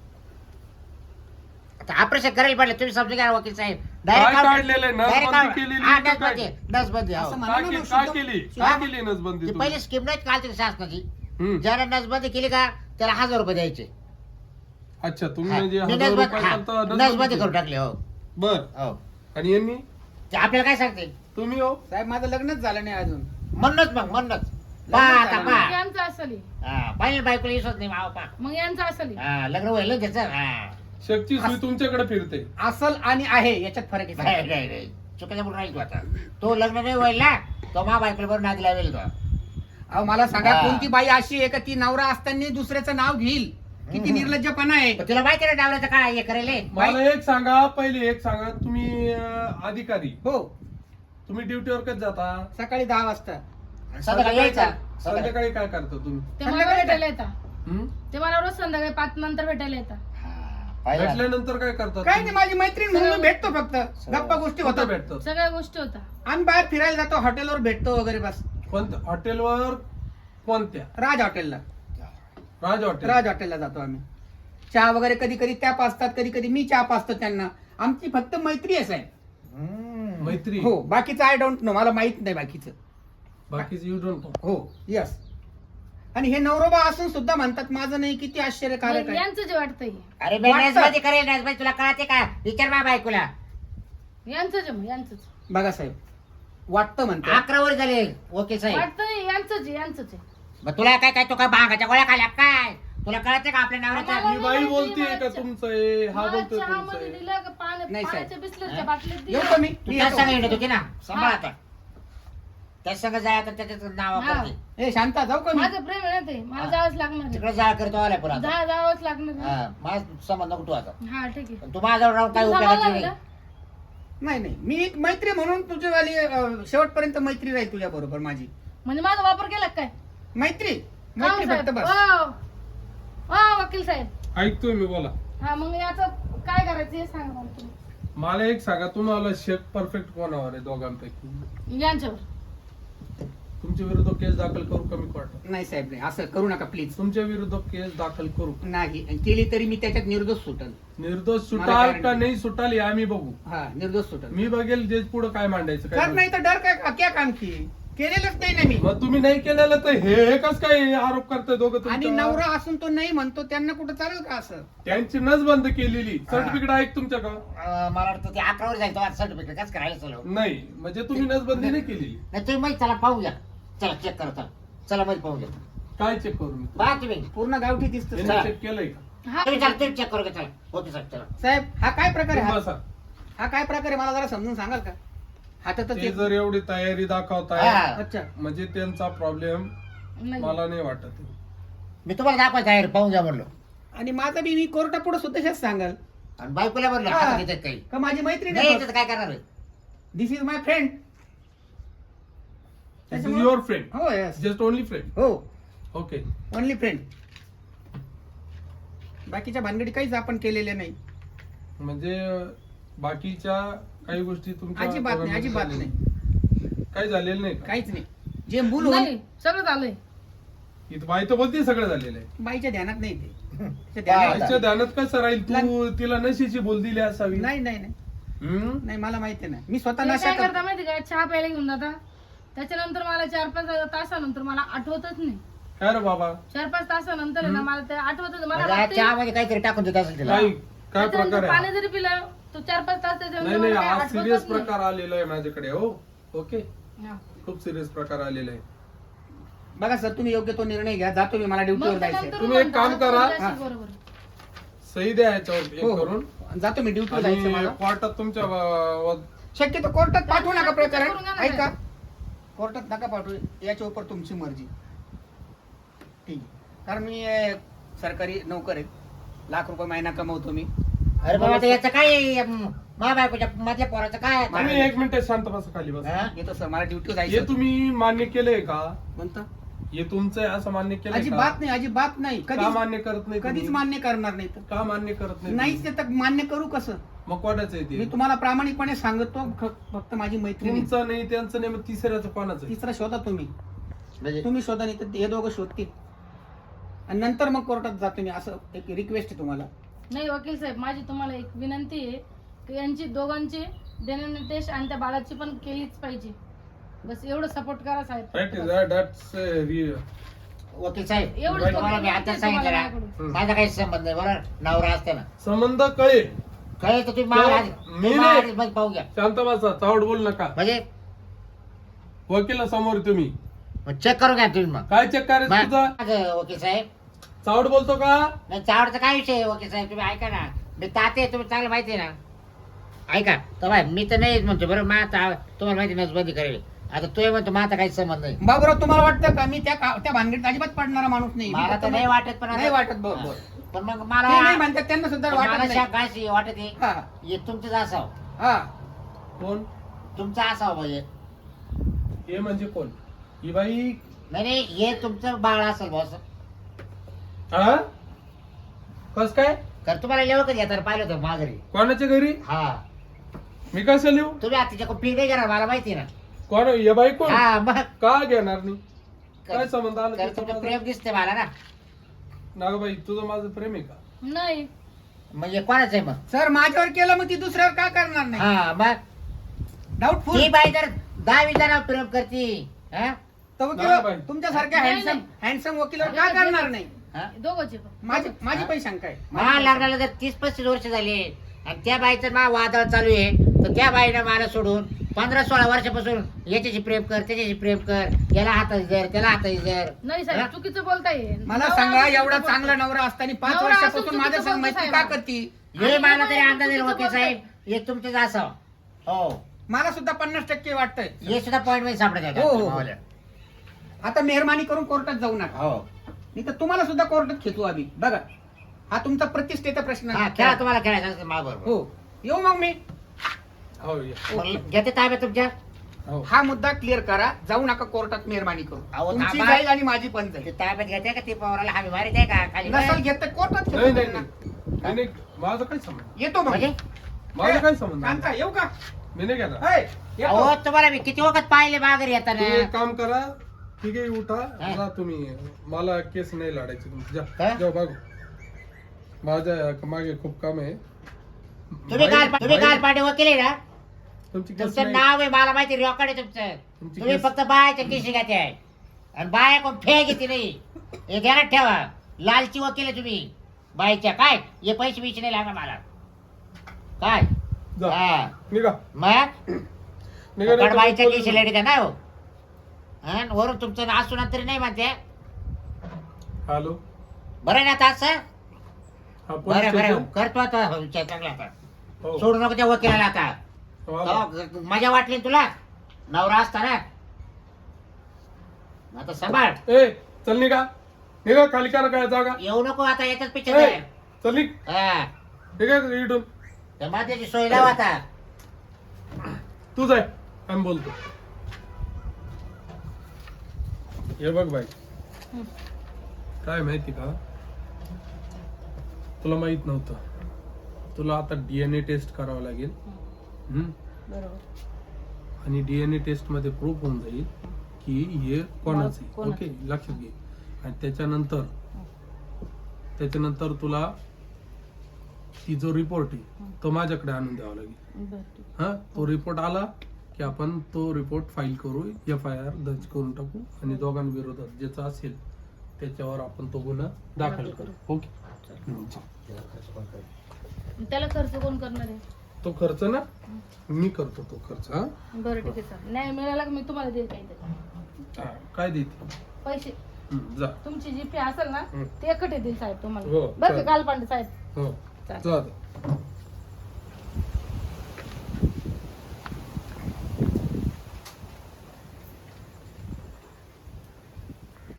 [SPEAKER 1] आता ऑपरेशन करायला पडलं, तुम्ही समजून घ्या वकील साहेब.
[SPEAKER 2] काय काढलेलं आहे? नसबंदी केलेली का काय?
[SPEAKER 1] नसबंदी
[SPEAKER 4] असं म्हणा
[SPEAKER 2] काय
[SPEAKER 4] ना,
[SPEAKER 2] केली?
[SPEAKER 4] मग
[SPEAKER 2] काय
[SPEAKER 4] शुद्ध-
[SPEAKER 2] केली?
[SPEAKER 1] शुद्ध-
[SPEAKER 2] काय केली नसबंदी
[SPEAKER 1] ती
[SPEAKER 2] तुम्ही?
[SPEAKER 1] पहिली स्कीम नाही कालची शासनाची.
[SPEAKER 2] हम्म.
[SPEAKER 1] ज्याला नसबंदी केली का त्याला 1000 रुपये द्यायचे.
[SPEAKER 2] अच्छा, तुम्ही
[SPEAKER 1] हा.
[SPEAKER 2] म्हणजे
[SPEAKER 1] मी
[SPEAKER 2] 1000
[SPEAKER 1] नसबंदी
[SPEAKER 2] रुपये
[SPEAKER 1] हा,
[SPEAKER 2] करता
[SPEAKER 1] नसबंदी करून टाकली. हो
[SPEAKER 2] बर.
[SPEAKER 1] हो.
[SPEAKER 2] आणि यांनी?
[SPEAKER 1] ते आपल्याला काय सांगते
[SPEAKER 2] तुम्ही हो?
[SPEAKER 4] साहेब माझं लग्नच झालं नाही अजून.
[SPEAKER 1] म्हणणंच मग म्हणणंच
[SPEAKER 4] लग्न
[SPEAKER 1] आता
[SPEAKER 4] झालं.
[SPEAKER 1] पहा.
[SPEAKER 3] यांचं असली
[SPEAKER 1] पाहिजे बायकोला विश्वास नाही मावा पा.
[SPEAKER 3] मग यांचं असली
[SPEAKER 1] लग्न व्हायला त्याचं. हा.
[SPEAKER 2] शेकची सुई तुमच्याकडे फिरते.
[SPEAKER 4] असल आणि आहे याच्यात फरक आहे
[SPEAKER 1] नाही
[SPEAKER 4] साहेब.
[SPEAKER 1] नाही नाही चुकीचं बोलून राहील तू आता. तो लग्न नाही व्हायला तो मा बायकोला बरोबर नादी लावेल तो.
[SPEAKER 4] अहो मला सांगा,
[SPEAKER 1] हा.
[SPEAKER 4] कोणती बाई अशी आहे का ती नवरा असताना दुसऱ्याचं नाव घेईल? किती निर्लज्जपणा आहे.
[SPEAKER 1] पण तुला माहिती ना डावल्याचं काय हे करेल.
[SPEAKER 2] मला एक सांगा, पहिले एक सांगा, तुम्ही अधिकारी,
[SPEAKER 4] हो,
[SPEAKER 2] तुम्ही ड्युटीवर कधी जाता?
[SPEAKER 4] सकाळी 10 वाजता.
[SPEAKER 1] संध्याकाळी यायचा.
[SPEAKER 2] संध्याकाळी काय करता तुम्ही?
[SPEAKER 3] ते मला भेटायला येतात.
[SPEAKER 2] हम्म?
[SPEAKER 3] ते मला रोज संध्याकाळी 5 नंतर भेटायला येतात.
[SPEAKER 1] पाहिलं?
[SPEAKER 2] भेटल्यानंतर काय करता
[SPEAKER 4] काय
[SPEAKER 2] तुम्ही?
[SPEAKER 4] नाही, माझी मैत्रीण म्हणून मी भेटतो फक्त. गप्पा गोष्टी
[SPEAKER 2] कुठं
[SPEAKER 4] होतात.
[SPEAKER 2] भेटतात?
[SPEAKER 3] सगळ्या गोष्टी होता.
[SPEAKER 4] आम्ही बाहेर फिरायला जातो, हॉटेलवर भेटतो वगैरे बस.
[SPEAKER 2] कोणत्या हॉटेलवर? कोणत्या?
[SPEAKER 4] राज हॉटेलला.
[SPEAKER 2] राज हॉटेल.
[SPEAKER 4] राज हॉटेलला जातो आम्ही. चहा वगैरे कधी कधी त्या पाचतात, कधी कधी मी चहा पाचतो त्यांना. आमची फक्त मैत्री आहे साहेब.
[SPEAKER 1] हम्म.
[SPEAKER 2] मैत्री.
[SPEAKER 4] हो, बाकीचं आय डोंट नो, मला माहित नाही बाकीचं.
[SPEAKER 2] बाकीचे यू डोंट नो.
[SPEAKER 4] हो यस. आणि हे नवरोबा असून सुद्धा म्हणतात माझं नाही, किती आश्चर्यकारक आहे.
[SPEAKER 3] यांचं जे वाटतंय
[SPEAKER 1] अरे मी
[SPEAKER 4] वाटतं.
[SPEAKER 1] नसबंदी करेल नसबंदी तुला कळते का? विचार मा बायकोला.
[SPEAKER 3] यांचं जे मग यांचंच
[SPEAKER 4] बघा साहेब, वाटतं म्हणतात.
[SPEAKER 1] 11 वर झाले वकील साहेब.
[SPEAKER 3] वाटतंय यांचंच आहे, यांचंच आहे.
[SPEAKER 1] मग तुला काय काय तो काय भांगाच्या गोळ्या खाल्या काय? तुला कळते का आपल्या नवऱ्याच्या?
[SPEAKER 3] आम्हाला-
[SPEAKER 2] ही बाई बोलतीये का तुमचं आहे? हा
[SPEAKER 3] मला
[SPEAKER 2] बोलतोय
[SPEAKER 3] चहामध्ये
[SPEAKER 2] तुमचं आहे?
[SPEAKER 3] दिलं का
[SPEAKER 4] नाही साहेब.
[SPEAKER 3] पाण्याच्या बिस्लरीच्या
[SPEAKER 1] हा?
[SPEAKER 3] बाटलीत
[SPEAKER 4] येऊ
[SPEAKER 3] दिलं.
[SPEAKER 4] का मी?
[SPEAKER 1] तू
[SPEAKER 4] मी
[SPEAKER 1] त्याच
[SPEAKER 4] येतो.
[SPEAKER 1] संग येत होती ना सांभाळ
[SPEAKER 3] हा.
[SPEAKER 1] आता. त्याच संग जाय आता त्याच्यात नाव
[SPEAKER 3] हा.
[SPEAKER 1] करते.
[SPEAKER 4] ए शांता, जाऊ का मी?
[SPEAKER 3] माझं प्रेम आहे ना ते, मला
[SPEAKER 1] हा.
[SPEAKER 3] जावंच लागणार आहे.
[SPEAKER 1] तिकडे जाळ करतो आलाय पुन्हा आता.
[SPEAKER 3] जावंच लागणार आहे.
[SPEAKER 1] हा, माझ संबंध नको तू आता.
[SPEAKER 3] हा ठीक आहे.
[SPEAKER 1] पण तू माझ्याजवळ राहून काय
[SPEAKER 3] तुम्ही
[SPEAKER 1] उपयोगाची
[SPEAKER 3] सांभाळणार
[SPEAKER 1] नाही.
[SPEAKER 3] ना?
[SPEAKER 4] नाही नाही, मी एक मैत्री म्हणून तुझीवाली शेवटपर्यंत मैत्री राहील तुझ्या बरोबर माझी.
[SPEAKER 3] म्हणजे माझा वापर केला का काय?
[SPEAKER 4] मैत्री
[SPEAKER 3] का हो
[SPEAKER 4] मैत्री
[SPEAKER 3] साहेब?
[SPEAKER 4] फक्त बस.
[SPEAKER 3] वकील साहेब.
[SPEAKER 2] ऐकतोय मी, बोला.
[SPEAKER 3] हा मग याचं काय करायचं हे सांगा मला तुम्ही.
[SPEAKER 2] मला एक सांगा, तुम्हाला शेक परफेक्ट कोणावर आहे दोघांपैकी?
[SPEAKER 3] यांच्यावर.
[SPEAKER 2] तुमच्या विरुद्ध केस दाखल करू कमी कोर्टात?
[SPEAKER 4] नाही साहेब नाही, असं करू नका प्लीज.
[SPEAKER 2] तुमच्या विरुद्ध केस दाखल करू.
[SPEAKER 4] नाही, आणि केली तरी मी त्याच्यात निर्दोष सुटल.
[SPEAKER 2] निर्दोष
[SPEAKER 4] मला
[SPEAKER 2] सुटाल
[SPEAKER 4] काय
[SPEAKER 2] का
[SPEAKER 4] नाही.
[SPEAKER 2] नाही सुटाल हे आम्ही बघू.
[SPEAKER 4] हा, निर्दोष सुटल.
[SPEAKER 2] मी बघेल जे पुढे काय मांडायचं
[SPEAKER 4] सर
[SPEAKER 2] काय
[SPEAKER 4] नाही तर डर काय, क्या काम की केलेलंच नाही ना मी.
[SPEAKER 2] मग तुम्ही नाही केलेलं तर हे कस काय आरोप करताय दोघं
[SPEAKER 4] आणि
[SPEAKER 2] तुमच्यावर?
[SPEAKER 4] नवरा असून तो नाही म्हणतो, त्यांना कुठं चालेल का असं?
[SPEAKER 2] त्यांची नस बंद केलेली सर्टिफिकेट आहे का तुमच्याकडं?
[SPEAKER 1] मला वाटतं ते 11 वर जाईल तो सर्टिफिकेट कसं करायला चलो.
[SPEAKER 2] नाही, म्हणजे तुम्ही नसबंदी नाही केलेली.
[SPEAKER 1] नाही तुम्ही माहिती चला पाहू घ्या. चला चेक करा चला. चला मध्ये पाहू घ्या.
[SPEAKER 2] काय चेक करू मी?
[SPEAKER 1] पहा तुम्ही.
[SPEAKER 4] पूर्ण गावठी दिसत.
[SPEAKER 2] यांनी चेक केलंय का?
[SPEAKER 3] हा
[SPEAKER 1] तुम्ही चला तुम्ही चेक करू घ्या चला. ओके साहेब चला.
[SPEAKER 4] साहेब हा काय प्रकार आहे?
[SPEAKER 2] तुम्ही
[SPEAKER 4] हा-
[SPEAKER 2] बसा.
[SPEAKER 4] हा काय प्रकार आहे मला जरा समजून सांगाल का? हातातच
[SPEAKER 2] ते
[SPEAKER 4] एक-
[SPEAKER 2] जर एवढी तयारी दाखवताय
[SPEAKER 1] हा.
[SPEAKER 4] अच्छा.
[SPEAKER 2] म्हणजे त्यांचा प्रॉब्लेम
[SPEAKER 3] नाही.
[SPEAKER 2] मला नाही वाटत.
[SPEAKER 1] मी तुम्हाला दाखवायचं आहे पाहून घ्या म्हणलो.
[SPEAKER 4] आणि माझा बी मी कोर्टापुढे सुद्धा हेच सांगाल
[SPEAKER 1] आणि बायकोला म्हणलं
[SPEAKER 4] हा.
[SPEAKER 1] हातात घेतात काही.
[SPEAKER 4] का माझी मैत्रीण
[SPEAKER 1] नाही
[SPEAKER 4] आहे.
[SPEAKER 1] याच्यात काय करणार आहे?
[SPEAKER 4] This is my friend.
[SPEAKER 2] This is your friend,
[SPEAKER 4] हो यस.
[SPEAKER 2] Just only friend.
[SPEAKER 4] हो,
[SPEAKER 2] ओके.
[SPEAKER 4] Only friend. बाकीच्या भानगडी काहीच आपण केलेल्या नाही.
[SPEAKER 2] म्हणजे बाकीच्या काही गोष्टी तुमच्या
[SPEAKER 4] अजिबात नाही,
[SPEAKER 2] दोघांमध्ये
[SPEAKER 4] अजिबात
[SPEAKER 2] झालेल्या
[SPEAKER 4] नाही,
[SPEAKER 2] काही झालेलं नाही का?
[SPEAKER 4] काहीच नाही. जे मूल
[SPEAKER 3] नाही सगळं झालंय.
[SPEAKER 2] इथं बाई तर बोलते सगळं झालेलं आहे.
[SPEAKER 4] बाईच्या ध्यानात नाही ते. तिच्या
[SPEAKER 1] बाय.
[SPEAKER 4] ध्यानात-
[SPEAKER 2] बाईच्या ध्यानात कसं राहील? तू तिला नशीची बोल दिली असावी.
[SPEAKER 4] नाही नाही नाही
[SPEAKER 2] हम्म?
[SPEAKER 4] नाही, मला माहिती नाही. मी स्वतः
[SPEAKER 3] ते
[SPEAKER 4] नशा
[SPEAKER 3] काय
[SPEAKER 4] करतो.
[SPEAKER 3] करता माहिती का? चहा प्यायला घेऊन जाता, त्याच्यानंतर मला 4-5 तासानंतर मला आठवतच नाही.
[SPEAKER 2] काय रे बाबा?
[SPEAKER 3] 4-5 तासानंतर आहे ना मला ते आठवतच मला
[SPEAKER 1] म्हणजे आज
[SPEAKER 3] वाटतंय-
[SPEAKER 1] चहामध्ये काहीतरी टाकून देत असेल तिला.
[SPEAKER 2] काय काय
[SPEAKER 3] त्याच्यानंतर
[SPEAKER 2] प्रकार
[SPEAKER 3] पाणी
[SPEAKER 2] आहे?
[SPEAKER 3] जरी पिलं तो 4-5 तास त्याच्यानंतर
[SPEAKER 2] नाही नाही,
[SPEAKER 3] मला काही
[SPEAKER 2] आज
[SPEAKER 3] आठवतच
[SPEAKER 2] सिरियस
[SPEAKER 3] नाही.
[SPEAKER 2] प्रकार आलेला आहे माझ्याकडे. हो, ओके.
[SPEAKER 3] हा.
[SPEAKER 2] खूप सिरियस प्रकार आलेला आहे.
[SPEAKER 4] बघा सर, तुम्ही योग्य तो निर्णय घ्या. जातो मी, मला ड्युटीवर
[SPEAKER 3] मग
[SPEAKER 4] जायचंय.
[SPEAKER 3] त्यानंतर
[SPEAKER 2] तुम्ही एक
[SPEAKER 3] म्हणता,
[SPEAKER 2] काम करा.
[SPEAKER 3] तुमच्याशी
[SPEAKER 4] हा.
[SPEAKER 3] बरोबर.
[SPEAKER 2] सही द्या याच्यावर एक
[SPEAKER 4] हो,
[SPEAKER 2] करून.
[SPEAKER 4] जातो मी, ड्युटीवर जायचं
[SPEAKER 2] आणि
[SPEAKER 4] मला.
[SPEAKER 2] कोर्टात तुमच्या
[SPEAKER 4] शक्यतो कोर्टात पाठवू नका
[SPEAKER 3] करून
[SPEAKER 4] प्रकरण.
[SPEAKER 3] घ्या ना.
[SPEAKER 4] ऐका, कोर्टात नका पाठवू. याच्या उपर तुमची मर्जी. ठीक आहे. कारण मी सरकारी नोकर आहे. लाख रुपये महिना कमवतो मी.
[SPEAKER 1] अरे बाबा आता याचं काय मा बायकोच्या मधल्या पोराचं काय
[SPEAKER 2] तुम्ही एक मिनिट शांत बसा, खाली बसा.
[SPEAKER 1] हा?
[SPEAKER 4] येतो सर, मला ड्युटी
[SPEAKER 2] हे
[SPEAKER 4] जायचं.
[SPEAKER 2] तुम्ही मान्य केलंय का?
[SPEAKER 4] म्हणता
[SPEAKER 2] हे तुमचं आहे असं मान्य केलंय का?
[SPEAKER 4] अजिबात नाही, अजिबात नाही.
[SPEAKER 2] का
[SPEAKER 4] कधीच
[SPEAKER 2] मान्य करत नाही
[SPEAKER 4] कधीच
[SPEAKER 2] तुम्ही?
[SPEAKER 4] मान्य करणार नाही तर
[SPEAKER 2] का मान्य करत नाही
[SPEAKER 4] नाहीच ते तर मान्य करू कसं?
[SPEAKER 2] मग कोणाचं आहे
[SPEAKER 4] मी
[SPEAKER 2] ते?
[SPEAKER 4] तुम्हाला प्रामाणिकपणे सांगतो, फक्त माझी मैत्रीण
[SPEAKER 2] तुमचं नाही, त्यांचं नाही, मग तिसऱ्याचं कोणाचं आहे?
[SPEAKER 4] तिसरा शोधा तुम्ही.
[SPEAKER 1] म्हणजे
[SPEAKER 4] तुम्ही शोधा, नाही तर हे दोघं शोधतील आणि नंतर मग कोर्टात जातो मी. असं एक रिक्वेस्ट आहे तुम्हाला.
[SPEAKER 3] नाही वकील साहेब, माझी तुम्हाला एक विनंती आहे की यांची दोघांची DNA टेस्ट आणि त्या बाळाची पण केलीच पाहिजे. बस एवढं सपोर्ट करा
[SPEAKER 2] Right,
[SPEAKER 3] साहेब.
[SPEAKER 2] that's real.
[SPEAKER 1] वकील साहेब
[SPEAKER 3] एवढंच
[SPEAKER 1] तुम्हाला मी आता सांगितलं ना,
[SPEAKER 3] तुम्हाला
[SPEAKER 1] माझा काही संबंध नाही बरोबर. नवरा असते ना
[SPEAKER 2] संबंध कळे.
[SPEAKER 1] काय तर तुम्ही मला
[SPEAKER 2] मी नाही.
[SPEAKER 1] मग पाहू घ्या.
[SPEAKER 2] शांत बसा, चावड बोल नका.
[SPEAKER 1] म्हणजे
[SPEAKER 2] वकील समोर तुम्ही
[SPEAKER 1] चेक करून घ्या तुम्ही मग.
[SPEAKER 2] काय चेक करायचं तुझा?
[SPEAKER 1] माझं वकील साहेब
[SPEAKER 2] चावड बोलतो का?
[SPEAKER 1] नाही चावडचा काय विषय आहे वकील साहेब, तुम्ही ऐका ना. मी ताते तुम्ही चांगलं माहिती आहे ना. ऐका तर बाय, मी तर नाहीच म्हणतो बरं. माता तुम्हाला माहिती नसबंदी करेल. आता तो म्हणतो माझा काही संबंध नाही.
[SPEAKER 4] बाबूराव, तुम्हाला वाटतं का मी त्या भानगडीत अजिबात पडणारा माणूस नाही?
[SPEAKER 1] मला तर नाही वाटत, पण
[SPEAKER 4] नाही वाटत. बरोबर.
[SPEAKER 1] पण मग
[SPEAKER 4] ते
[SPEAKER 1] मला
[SPEAKER 4] नाही म्हणतात, त्यांना सुद्धा
[SPEAKER 1] मला
[SPEAKER 4] वाटत नाही.
[SPEAKER 1] काय वाटत आहे
[SPEAKER 4] हा,
[SPEAKER 1] हे तुमचंच असावं.
[SPEAKER 4] हा.
[SPEAKER 2] कोण?
[SPEAKER 1] तुमचं असावं म्हणजे.
[SPEAKER 2] हे म्हणजे कोण? ही बाई.
[SPEAKER 1] नाही नाही, हे तुमचं बाळ असेल बॉस.
[SPEAKER 2] हा? कस काय?
[SPEAKER 1] तर तुम्हाला लेवं कधी येताना पाहिलं होतं माघारी.
[SPEAKER 2] कोणाच्या घरी?
[SPEAKER 1] हा,
[SPEAKER 2] मी कसं लिहू?
[SPEAKER 1] तुम्ही आता तिच्याकडून फी नाही घेणार मला माहिती आहे ना.
[SPEAKER 2] कोण हे बाई? कोण?
[SPEAKER 1] हा मग
[SPEAKER 2] का घेणार नाही? काय संबंध आला
[SPEAKER 1] तर
[SPEAKER 2] त्याचा
[SPEAKER 1] तुमचं
[SPEAKER 2] माझा?
[SPEAKER 1] प्रेम दिसते मला ना.
[SPEAKER 2] नागबाई, तुझं माझं प्रेम आहे का?
[SPEAKER 3] नाही.
[SPEAKER 1] म्हणजे कोणाचं आहे मग?
[SPEAKER 4] सर, माझ्यावर केलं मग ती दुसऱ्यावर का करणार नाही?
[SPEAKER 1] हा मग
[SPEAKER 4] डाऊटफुल.
[SPEAKER 1] ही बाई जर 10-20 जणांवर प्रेम करते हा?
[SPEAKER 4] तर
[SPEAKER 2] नाही, नाही.
[SPEAKER 4] वकील तुमच्यासारख्या
[SPEAKER 3] नाही,
[SPEAKER 4] हँडसम वकिलावर का करणार नाही?
[SPEAKER 1] हा?
[SPEAKER 3] दोघंचे पण.
[SPEAKER 4] माझी पण शंका आहे.
[SPEAKER 1] मला लग्नाला जर 30-35 वर्ष झाले आणि त्या बाईचं मा वादळ चालू आहे, तर त्या बाईनं मला सोडून 15-16 वर्षापासून याच्याशी प्रेम कर, त्याच्याशी प्रेम कर, याला हाताची जर, त्याला हाताची जर.
[SPEAKER 3] नाही
[SPEAKER 1] हा?
[SPEAKER 3] साहेब, चुकीचं बोलताय.
[SPEAKER 4] मला
[SPEAKER 3] नवरा
[SPEAKER 4] सांगा,
[SPEAKER 3] असं
[SPEAKER 4] एवढा
[SPEAKER 3] चुकीचं
[SPEAKER 4] चांगला
[SPEAKER 3] बोलतोय.
[SPEAKER 4] नवरा असताना 5
[SPEAKER 3] नवरा
[SPEAKER 4] वर्षापासून
[SPEAKER 3] असून
[SPEAKER 4] माझ्या
[SPEAKER 3] चुकीचं
[SPEAKER 4] संग मैत्री
[SPEAKER 3] बोलतोय
[SPEAKER 4] का करती?
[SPEAKER 1] हे मला तरी
[SPEAKER 3] आणि
[SPEAKER 1] अंदाज येईल
[SPEAKER 3] चुकीचं
[SPEAKER 1] वकील साहेब, हे तुमचंच असावं. हो,
[SPEAKER 4] मला सुद्धा 50% वाटतंय.
[SPEAKER 1] हे सुद्धा पॉईंट मध्ये सापडत
[SPEAKER 4] हो, हो.
[SPEAKER 1] आहे.
[SPEAKER 4] आता मेहरबानी करून कोर्टात जाऊ नका.
[SPEAKER 1] हो,
[SPEAKER 4] नाही तर तुम्हाला सुद्धा कोर्टात खेचू आम्ही. बघा, हा तुमचा प्रतिष्ठेचा प्रश्न
[SPEAKER 1] हा,
[SPEAKER 4] आहे.
[SPEAKER 1] खेळा तुम्हाला खेळायचं असेल माझ्याबरोबर.
[SPEAKER 4] हो, येऊ मग मी.
[SPEAKER 2] हो या.
[SPEAKER 1] मग घेते ताब्यात तुमच्या.
[SPEAKER 2] हो.
[SPEAKER 4] हा मुद्दा क्लिअर करा. जाऊ नका कोर्टात, मेहरबानी करून.
[SPEAKER 1] अहो,
[SPEAKER 4] तुमची
[SPEAKER 1] थांबा.
[SPEAKER 4] जाईल आणि माझी पण
[SPEAKER 1] ते
[SPEAKER 4] जाईल.
[SPEAKER 1] ताब्यात घेते का ते पवाराला हमी मारित आहे का खाली?
[SPEAKER 4] नसल घेत तर कोर्टात
[SPEAKER 2] नाही
[SPEAKER 4] खेचू
[SPEAKER 2] नाही
[SPEAKER 4] त्यांना.
[SPEAKER 2] नाही नाही, माझं काय संबंध?
[SPEAKER 4] येतो मग.
[SPEAKER 1] म्हणजे
[SPEAKER 2] माझं काय संबंध?
[SPEAKER 4] कांता, येऊ का?
[SPEAKER 2] मी नाही घेणार.
[SPEAKER 4] ऐ, येतो.
[SPEAKER 1] अहो तुम्हाला मी किती वखत पाहिले माघारी येताना.
[SPEAKER 2] तुम्ही एक काम करा, ठीक आहे, उठा
[SPEAKER 1] हा.
[SPEAKER 2] जा तुम्ही. मला केस नाही लढायची तुमची.
[SPEAKER 1] हा?
[SPEAKER 2] जा जाऊ बघू. माझ्या मागे खूप काम आहे.
[SPEAKER 1] तुम्ही काल
[SPEAKER 2] बाई-
[SPEAKER 1] पाठी वकील आहे ना.
[SPEAKER 2] तुमची केस
[SPEAKER 1] तुमचं
[SPEAKER 2] नाही.
[SPEAKER 1] नाव आहे मला माहिती, रेकॉर्ड आहे तुमचं.
[SPEAKER 2] तुमची
[SPEAKER 1] तुम्ही
[SPEAKER 2] केस-
[SPEAKER 1] फक्त बायाच्या केशी घ्यायचे आहे आणि बाया कोण फे घेते नाही. हे ध्यानात ठेवा. लालची वकील आहे तुम्ही बाईच्या. काय हे पैसे बिचे नाही लागणार मला. काय
[SPEAKER 2] जा.
[SPEAKER 1] हा
[SPEAKER 2] निघा
[SPEAKER 1] मग
[SPEAKER 2] निघा नाही तर
[SPEAKER 1] बाईच्या
[SPEAKER 2] बोलू
[SPEAKER 1] केशी लेडी का नाही हो. हा, आणि वरून तुमचं असून तरी नाही म्हणते.
[SPEAKER 2] नका. हॅलो.
[SPEAKER 1] बरं आहे ना आता असं.
[SPEAKER 2] हा, पोलीस
[SPEAKER 1] बरं बरं
[SPEAKER 2] स्टेशन?
[SPEAKER 1] करतो आता विचार चांगला आता.
[SPEAKER 2] हो.
[SPEAKER 1] सोडू नको त्या वकिलाला आता.
[SPEAKER 2] हो, आलो.
[SPEAKER 1] हो, मजा वाटली ना तुला नवरा असताना. आता सांभाळ.
[SPEAKER 2] ए चल निघा. निघा, खाली करा काय जागा.
[SPEAKER 1] येऊ नको आता याच्याच
[SPEAKER 2] ए,
[SPEAKER 1] पिक्चर.
[SPEAKER 2] चल निघ.
[SPEAKER 1] हा,
[SPEAKER 2] निघा इथून.
[SPEAKER 1] त्या माझ्याची सोय लाव आता.
[SPEAKER 2] तू जाय, आम्ही बोलतो. हे बघ बाई,
[SPEAKER 3] हं.
[SPEAKER 2] काय माहिती का, तुला माहित नव्हतं. तुला आता DNA टेस्ट करावं लागेल. हम्म?
[SPEAKER 3] बरोबर.
[SPEAKER 2] आणि DNA टेस्ट मध्ये प्रूफ होऊन जाईल की हे कोणाचं आहे.
[SPEAKER 3] कोणाचं.
[SPEAKER 2] ओके, लक्षात घे. आणि त्याच्यानंतर तुला ती जो रिपोर्ट आहे तो माझ्याकडे आणून द्यावा लागेल.
[SPEAKER 3] बरं, ठीक.
[SPEAKER 2] हा, तो रिपोर्ट आला की आपण तो रिपोर्ट फाईल करू, FIR दर्ज करून टाकू आणि दोघांविरोधात ज्याचा असेल त्याच्यावर आपण तो गुन्हा दाखल करू. ओके.
[SPEAKER 3] त्याला खर्च कोण करणार आहे?
[SPEAKER 2] तो खर्च ना मी करतो, तो खर्च. हा,
[SPEAKER 3] बरं ठीक आहे सर. न्याय मिळाला का मी तुम्हाला देईल काहीतरी
[SPEAKER 2] हा, काय देते?
[SPEAKER 3] पैसे.
[SPEAKER 2] जा.
[SPEAKER 3] तुमची जी फी असेल ना
[SPEAKER 2] हं.
[SPEAKER 3] ते एकटे देईल साहेब
[SPEAKER 2] हो,
[SPEAKER 3] तुम्हाला. बरं का
[SPEAKER 2] चालेल.
[SPEAKER 3] कालपांडे साहेब.
[SPEAKER 2] हो,
[SPEAKER 3] चालेल.
[SPEAKER 2] जा आता.